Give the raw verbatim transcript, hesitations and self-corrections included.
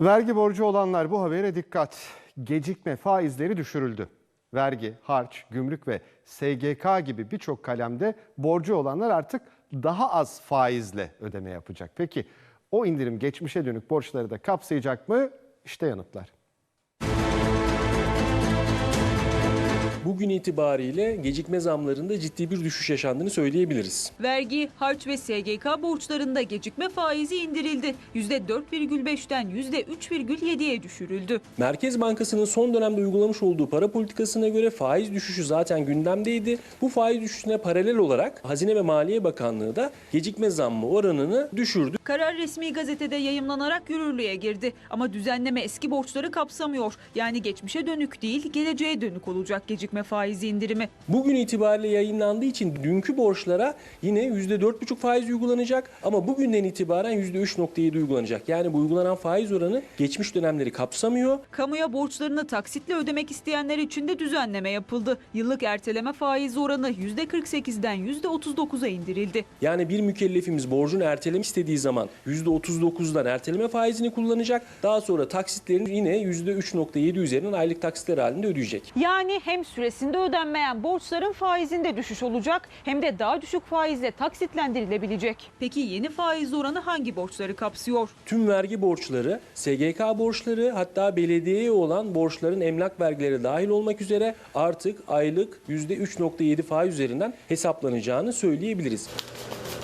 Vergi borcu olanlar bu habere dikkat. Gecikme faizleri düşürüldü. Vergi, harç, gümrük ve S G K gibi birçok kalemde borcu olanlar artık daha az faizle ödeme yapacak. Peki o indirim geçmişe dönük borçları da kapsayacak mı? İşte yanıtlar. Bugün itibariyle gecikme zamlarında ciddi bir düşüş yaşandığını söyleyebiliriz. Vergi, harç ve S G K borçlarında gecikme faizi indirildi. yüzde dört virgül beşten yüzde üç virgül yediye düşürüldü. Merkez Bankası'nın son dönemde uygulamış olduğu para politikasına göre faiz düşüşü zaten gündemdeydi. Bu faiz düşüşüne paralel olarak Hazine ve Maliye Bakanlığı da gecikme zammı oranını düşürdü. Karar resmi gazetede yayımlanarak yürürlüğe girdi. Ama düzenleme eski borçları kapsamıyor. Yani geçmişe dönük değil, geleceğe dönük olacak gecikme faizi indirimi. Bugün itibariyle yayınlandığı için dünkü borçlara yine yüzde dört buçuk faiz uygulanacak ama bugünden itibaren yüzde üç nokta yedi uygulanacak. Yani bu uygulanan faiz oranı geçmiş dönemleri kapsamıyor. Kamuya borçlarını taksitle ödemek isteyenler için de düzenleme yapıldı. Yıllık erteleme faiz oranı yüzde kırk sekizden yüzde otuz dokuza indirildi. Yani bir mükellefimiz borcunu ertelemek istediği zaman yüzde otuz dokuzdan erteleme faizini kullanacak. Daha sonra taksitlerini yine yüzde üç nokta yedi üzerinden aylık taksitler halinde ödeyecek. Yani hem süresinde ödenmeyen borçların faizinde düşüş olacak hem de daha düşük faizle taksitlendirilebilecek. Peki yeni faiz oranı hangi borçları kapsıyor? Tüm vergi borçları, S G K borçları, hatta belediyeye olan borçların emlak vergileri dahil olmak üzere artık aylık yüzde üç nokta yedi faiz üzerinden hesaplanacağını söyleyebiliriz.